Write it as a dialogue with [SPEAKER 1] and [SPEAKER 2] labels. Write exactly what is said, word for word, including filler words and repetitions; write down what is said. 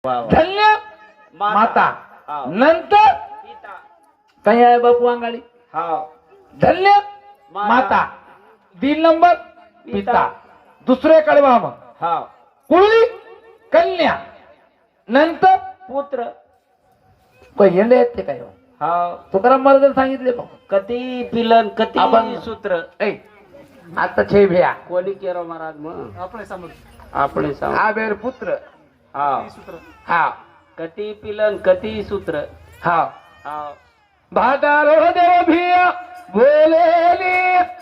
[SPEAKER 1] वा वा.
[SPEAKER 2] धन्य
[SPEAKER 1] माता.
[SPEAKER 2] माता
[SPEAKER 1] हा.
[SPEAKER 2] नंतर
[SPEAKER 1] पिता.
[SPEAKER 2] काही आहे बापू अंगाडी
[SPEAKER 1] हा.
[SPEAKER 2] धन्य
[SPEAKER 1] माता.
[SPEAKER 2] माता तीन नंबर पिता दुसरे कडवा मग
[SPEAKER 1] हा.
[SPEAKER 2] कुळी कन्या नंतर
[SPEAKER 1] पुत्र.
[SPEAKER 2] काही येणे आहेत ते काय
[SPEAKER 1] हा.
[SPEAKER 2] तुकाराम महाराज सांगितले मग
[SPEAKER 1] कती पिलन कती
[SPEAKER 2] अभंग.
[SPEAKER 1] सूत्र.
[SPEAKER 2] ऐ आता छे भ्या
[SPEAKER 1] कोणी केरो महाराज मग
[SPEAKER 3] આપણે સમજ
[SPEAKER 1] આપણે सांग.
[SPEAKER 2] आबेर पुत्र
[SPEAKER 1] हा.
[SPEAKER 3] सूत्र
[SPEAKER 2] हा
[SPEAKER 1] कती पिलन कती सूत्र.
[SPEAKER 2] हा
[SPEAKER 1] हा.
[SPEAKER 2] भादारो देव भिया बोलेली